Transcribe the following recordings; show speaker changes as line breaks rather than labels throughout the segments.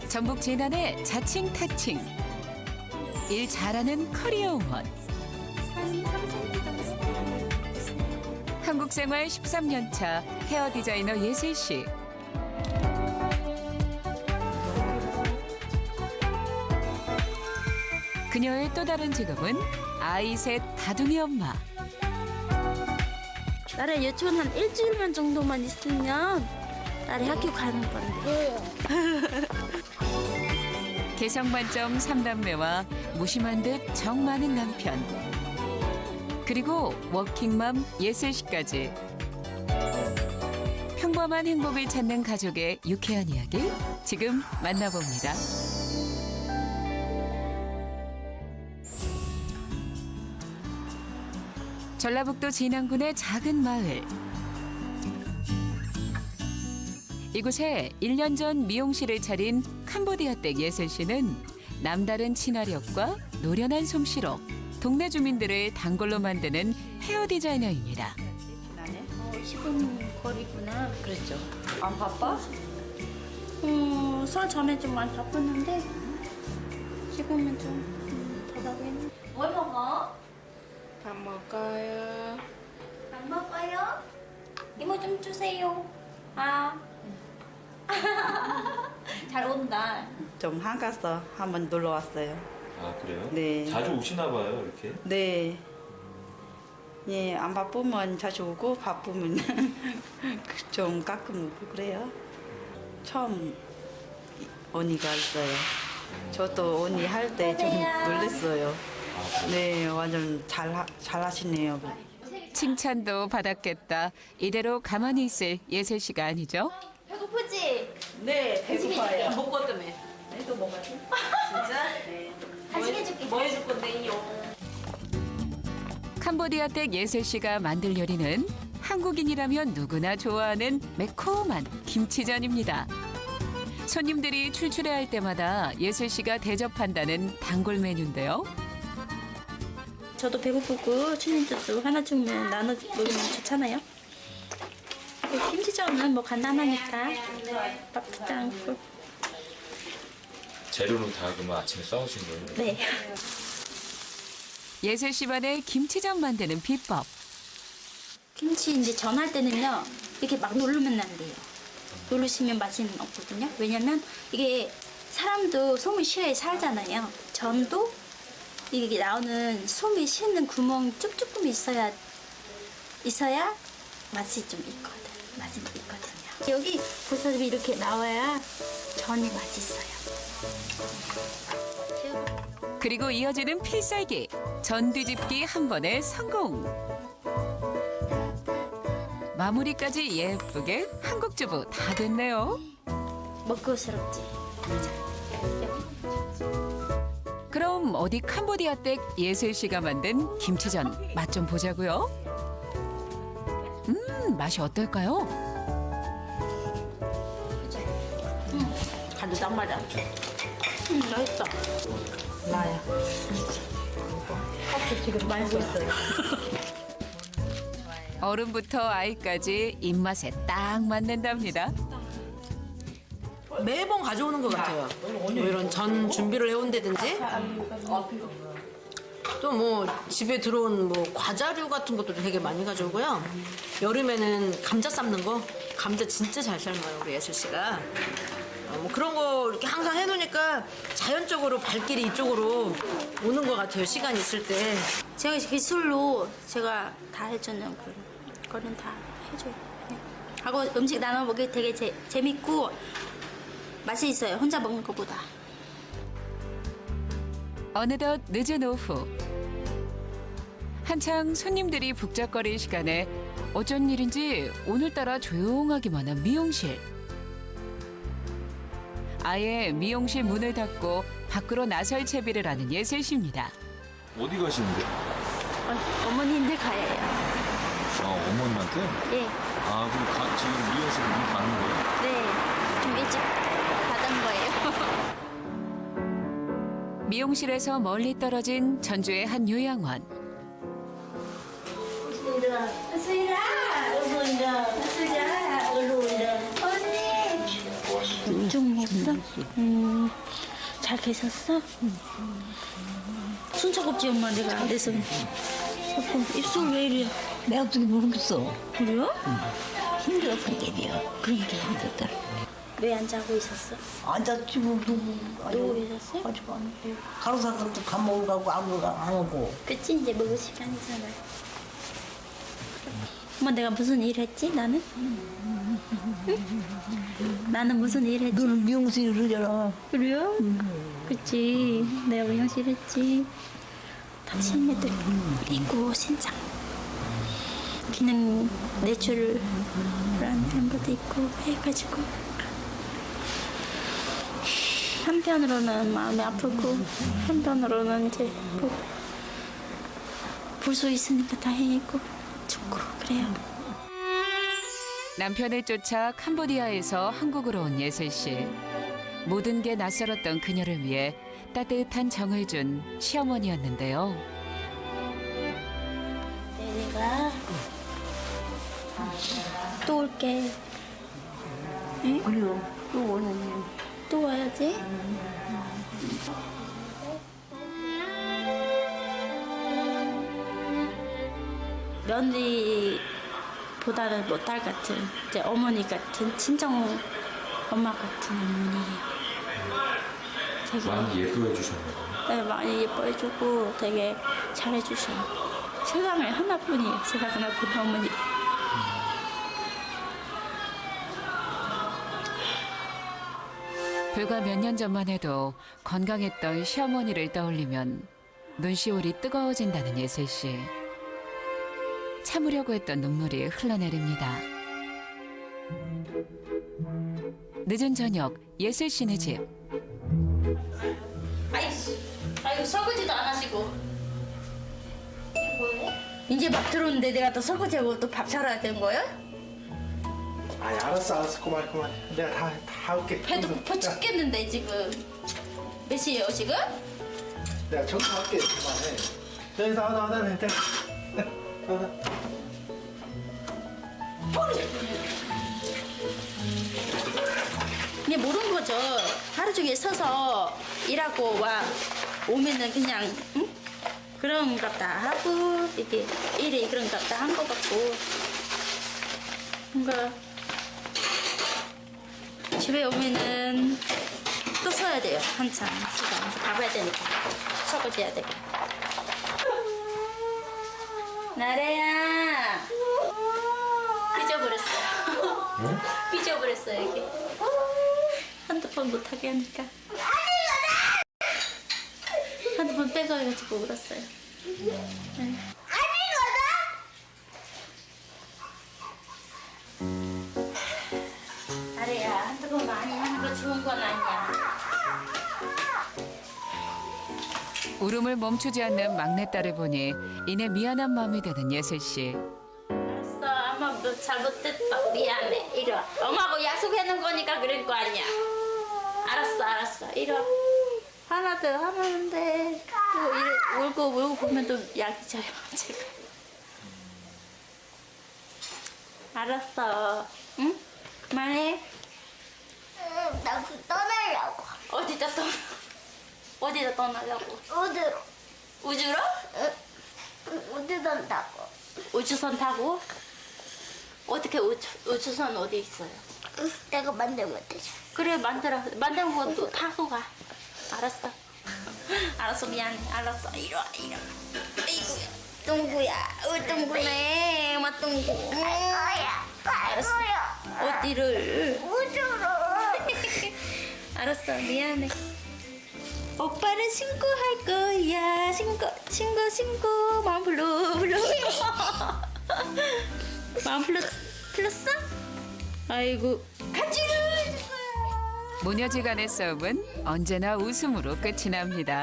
전북 진안의 자칭 타칭. 일 잘하는 커리어 응원. 한국 생활 13년 차 헤어 디자이너 예슬 씨. 그녀의 또 다른 직업은 아이 셋 다둥이 엄마.
나를 유치원 한 일주일만 정도만 있으면 딸이 학교 가는 건데.
개성 만점 3남매와 무심한 듯 정 많은 남편. 그리고 워킹맘 예슬 씨까지. 평범한 행복을 찾는 가족의 유쾌한 이야기 지금 만나봅니다. 전라북도 진안군의 작은 마을. 이곳에 1년 전 미용실을 차린 캄보디아댁 예슬 씨는 남다른 친화력과 노련한 솜씨로 동네 주민들을 단골로 만드는 헤어 디자이너입니다.
15분 거리구나.
그랬죠. 안 바빠?
설 전에 좀 많이 바빴는데 지금은 좀 더 바쁘네. 뭘 먹어?
밥 먹어요.
안 먹어요? 이모 좀 주세요. 아. 잘 온다.
좀 한가서 한번 놀러 왔어요.
아 그래요?
네.
자주 오시나 봐요 이렇게?
네. 예, 안 바쁘면 자주 오고 바쁘면 좀 가끔 오고 그래요. 처음 언니가 있어요. 저도 언니 할 때 좀 놀랬어요. 네, 완전 잘하시네요.
칭찬도 받았겠다. 이대로 가만히 있을 예슬 씨가 아니죠?
배고프지?
네, 배고파요.
먹고 때문에. 네, 또 먹어야지. 진짜? 네.
간식 해줄게.
뭐 해줄 건데요?
캄보디아댁 예슬 씨가 만들 요리는 한국인이라면 누구나 좋아하는 매콤한 김치전입니다. 손님들이 출출해할 때마다 예슬 씨가 대접한다는 단골 메뉴인데요.
저도 배고프고 춘인주도 하나 주면 나눠 먹으면 좋잖아요. 김치전은 뭐 간단하니까 바쁘지 않고.
재료는 다 그러면 아침에 싸우신 거예요?
네.
예슬 씨만의 김치전 만드는 비법.
김치 이제 전할 때는요 이렇게 막 누르면 안 돼요. 누르시면 맛이 없거든요. 왜냐면 이게 사람도 솜을 쉬어야 살잖아요. 전도 이게 나오는 솜이 쉬는 구멍 쭉쭉금 있어야 맛이 좀 있거든. 맛이 있거든요. 여기 보살이 이렇게 나와야 전이 맛있어요.
그리고 이어지는 필살기. 전 뒤집기 한 번에 성공. 마무리까지 예쁘게 한국 주부 다 됐네요.
먹고스럽지.
그럼 어디 캄보디아댁 예슬 씨가 만든 김치전 맛 좀 보자고요. 맛이 어떨까요?
간도 딱 맞아.
맛있어.
나야. 커피 지금 마시고 있어요.
어른부터 아이까지 입맛에 딱 맞는답니다.
매번 가져오는 것 같아요. 뭐 이런 전 준비를 해온다든지 또 뭐 집에 들어온 뭐 과자류 같은 것도 되게 많이 가져오고요. 여름에는 감자 삶는 거 감자 진짜 잘 삶아요 우리 예슬 씨가. 뭐 그런 거 이렇게 항상 해놓으니까 자연적으로 발길이 이쪽으로 오는 것 같아요. 시간 있을 때.
제가 기술로 제가 다 해주는 거는 다 해줘요. 네. 하고 음식 나눠 먹기 되게 재밌고 맛이 있어요. 혼자 먹는 것보다.
어느덧 늦은 오후. 한창 손님들이 북적거릴 시간에 어쩐 일인지 오늘따라 조용하기만 한 미용실. 아예 미용실 문을 닫고 밖으로 나설 채비를 하는 예슬 씨입니다.
어디 가시는데?
어머니인데 가요.
아 어머님한테?
예.
아 그럼 지금 미용실 문 닫는 거예요?
네. 좀 일찍 받은 거예요.
미용실에서 멀리 떨어진 전주의 한 요양원.
언니. 좀 계셨어? 잘 계셨어? 순차겁지 엄마 내가 안 돼서. 입술 왜 이래?
내가 어떻게 모르겠어.
그래요?
힘들었어, 게비야.
그러니까.
힘들었다.
왜 안 자고 있었어?
앉았지, 뭐, 누구.
누워 계셨어요?
가지고 안 오고. 가로사람도 밥 먹으러 가고 안 오고.
그치 이제 먹을 시간이잖아. 엄마 내가 무슨 일 했지 나는? 응? 나는 무슨 일 했지?
너는 미용실 그러잖아.
그래요? 그치 내가 미용실 했지. 당신네들 있고 신장 기능 내추럴한 것도 있고 해가지고 한편으로는 마음이 아프고 한편으로는 이제 볼 수 있으니까 다행이고 좋고 그래요.
남편을 쫓아 캄보디아에서 한국으로 온 예슬 씨. 모든 게 낯설었던 그녀를 위해 따뜻한 정을 준 시어머니였는데요.
내가 또 올게. 응?
그래요. 또 오는
또 와야지. 며느리보다는 뭐 딸 같은 이제 어머니 같은 친정 엄마 같은 어머니예요. 되게
많이 예뻐해 주셨나요?
네, 많이 예뻐해주고 되게 잘해주셔요. 세상에 하나뿐이에요. 세상에 하나뿐 어머니.
불과 몇 년 전만 해도 건강했던 시어머니를 떠올리면 눈시울이 뜨거워진다는 예슬 씨. 참으려고 했던 눈물이 흘러내립니다. 늦은 저녁 예슬 씨네 집.
아이고 설거지도 안 하시고. 이제 막 들어오는데 내가 또 설거지하고 또 밥 차려야 되는 거예요?
아니 알았어 그만 내가 다 할게.
배도 고파 죽겠는데 지금. 몇 시예요 지금?
내가 청소할게 그만해. 네 나와 네.
이게 모르는 거죠. 하루 종일 서서 일하고 오면은 그냥 응? 그런 것 다 하고 이렇게 일이 그런 것 다 한 것 같고 뭔가 집에 오면은 또 서야 돼요. 한참 시간 가봐야 되니까 설거지 해야 되고. 나래야 삐져버렸어요. 삐져버렸어요 이게. 핸드폰 못하게 하니까 핸드폰 빼가지고 울었어요. 네. 나래야 핸드폰 많이 하는 거 좋은 건 아니야.
울음을 멈추지 않는 막내딸을 보니 이내 미안한 마음이 드는 예슬 씨.
알았어 엄마 뭐 잘못했다 미안해 이리 와. 엄마하고 약속해놓은 거니까 그럴 거 아니야. 알았어 이리 와. 하나 더 하는데 또 이래 울고 보면 또 약이 져요 제가. 알았어 응? 그만해.
나 떠나려고.
어디다 떠나려고?
어디로?
우주로?
어디 간다고?
우주선 타고? 어떻게 우주선 어디 있어요?
내가 만들면 되지.
그래 만든 것도 타고 가. 알았어. 알았어 미안해. 알았어 이리 와. 아이고야. 똥구야. 똥구네. 엄마 똥구.
거야.
알았어. 어디를?
우주로.
알았어 미안해. 오빠는 신고 할 거야. 신고 마음 불러. 마음 불렀어? 아이고 간지러 해줄 거야.
모녀지간의 싸움은 언제나 웃음으로 끝이 납니다.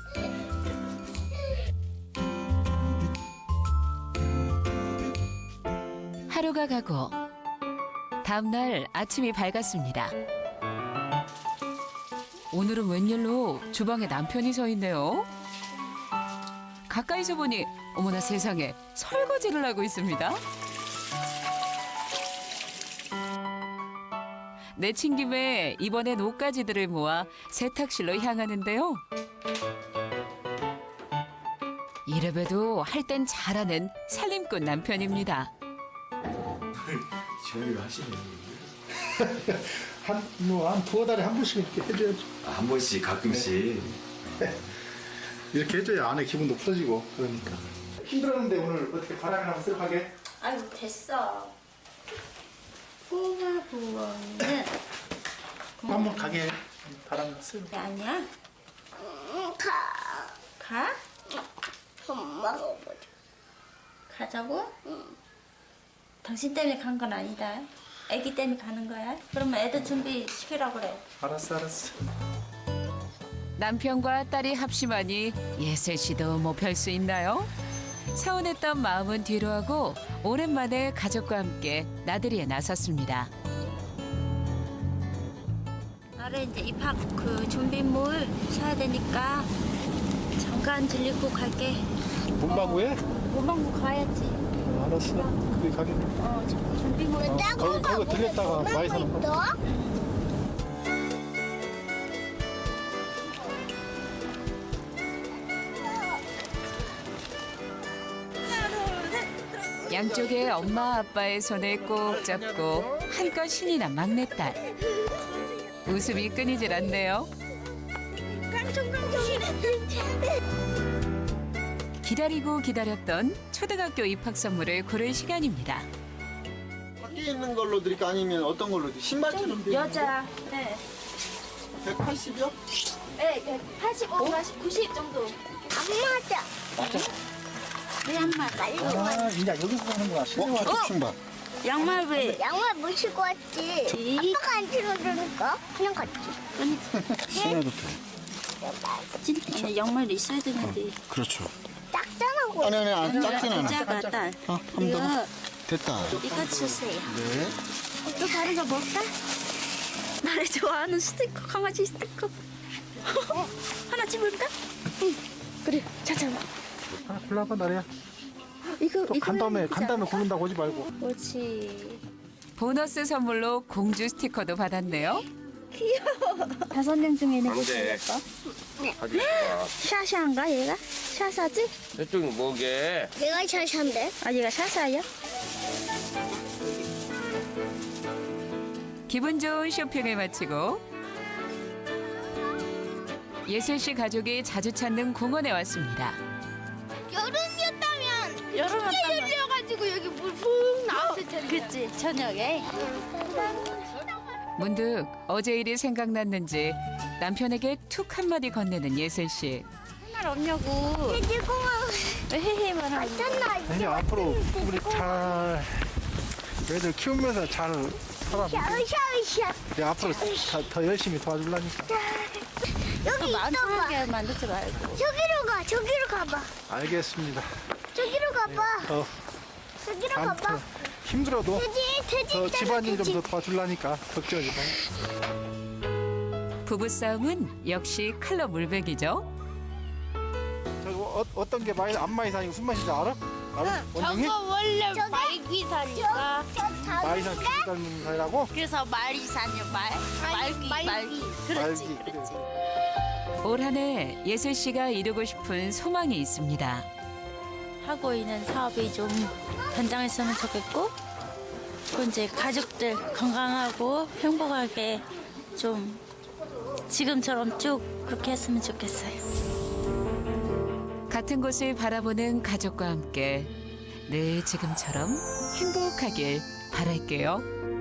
하루가 가고 다음 날 아침이 밝았습니다. 오늘은 웬일로 주방에 남편이 서 있네요. 가까이서 보니 어머나 세상에 설거지를 하고 있습니다. 내친 김에 이번엔 옷가지들을 모아 세탁실로 향하는데요. 이래봬도 할 땐 잘하는 살림꾼 남편입니다.
저희가 하시네.
한 두어 달에 한 번씩 이렇게 해줘야죠.
한 번씩 가끔씩.
이렇게 해줘야 안에 기분도 풀어지고 그러니까. 힘들었는데 오늘 어떻게 바람이나 한번 쓱 하게?
아이고 됐어. 꼬마 부엉이는
한번 가게 바람 쓱.
아니야. 가?
엄마가 보자.
가자고? 당신 때문에 간 건 아니다. 애기 때문에 가는 거야. 그러면 애들 준비 시키라고 그래.
알았어.
남편과 딸이 합심하니 예슬 씨도 뭐 별 수 있나요? 서운했던 마음은 뒤로하고 오랜만에 가족과 함께 나들이에 나섰습니다.
나를 이제 입학 그 준비물 사야 되니까 잠깐 들리고 갈게.
문방구에?
문방구 가야지.
알았어. 거기 가게.
준비물.
거기 들렸다가 많이 사는 거.
양쪽에 엄마 아빠의 손을 꼭 잡고 한껏 신이 난 막내딸. 웃음이 끊이질 않네요. 기다리고 기다렸던 초등학교 입학 선물을 고를 시간입니다.
밖에 있는 걸로 드릴까 아니면 어떤 걸로 드릴까? 신발처럼 돼
여자. 네.
180이요?
네, 85, 40, 90 정도.
안 맞아.
왜 안 맞아?
아, 이제 여기서 사는구나.
가족 신발.
양말 왜?
양말 못 신고 왔지. 아빠가 안 신어주니까 그냥 갔지.
신어도 돼.
진짜 양말이 있어야 되는데.
그렇죠.
짝짱하고.
아니, 안 작진 않아.
작아, 딸.
한번 더. 됐다.
이거 주세요.
네.
또 다른 거 뭘까? 나를 좋아하는 스티커, 강아지 스티커. 하나 집을까? 응. 그래, 찾아봐.
하나 골라봐, 나래야.
이거
간 다음에 고른다고 하지 말고.
그렇지.
보너스 선물로 공주 스티커도 받았네요.
5명 중에 누구
네.
생겼어?
가지고 있어봐.
샤샤인가 얘가? 샤샤지?
저쪽은 뭐게?
내가 샤샤인데.
아 얘가 샤샤야?
기분 좋은 쇼핑을 마치고 예슬 씨 가족이 자주 찾는 공원에 왔습니다.
여름이었다면
여름이었다면.
열려가지고 여기 물 푹 나왔을 텐데.
그치 저녁에.
문득 어제 일이 생각났는지 남편에게 툭 한마디 건네는 예슬 씨.
할 없냐고.
돼지공원
왜 헤헤만 하고.
갔잖아.
이제 앞으로 우리 잘 애들 키우면서 잘 살아보자.
샤샤샤.
이제 앞으로 더 열심히 도와주려니까.
여기 있어봐.
만만하게 만들지 말고.
저기로 가. 저기로 가봐.
알겠습니다.
저기로 가봐. 저기로 가봐.
아무튼 힘들어도
돼지
더
있잖아,
집안일 좀
돼지.
더 도와주려니까 걱정하지 마.
부부싸움은 역시 칼로 물베기죠.
저 어떤 게 안 많이 사니까 무슨 맛인지 알아? 알아? 원영이?
원래 말귀사니까.
마이산 기닮는 사이라고?
그래서 말이사냐 말귀.
그렇지,
그렇지.
올 한 해 예슬 씨가 이루고 싶은 소망이 있습니다.
하고 있는 사업이 좀 번창했으면 좋겠고 또 이제 가족들 건강하고 행복하게 좀 지금처럼 쭉 그렇게 했으면 좋겠어요.
같은 곳을 바라보는 가족과 함께 늘 지금처럼 행복하길 바랄게요.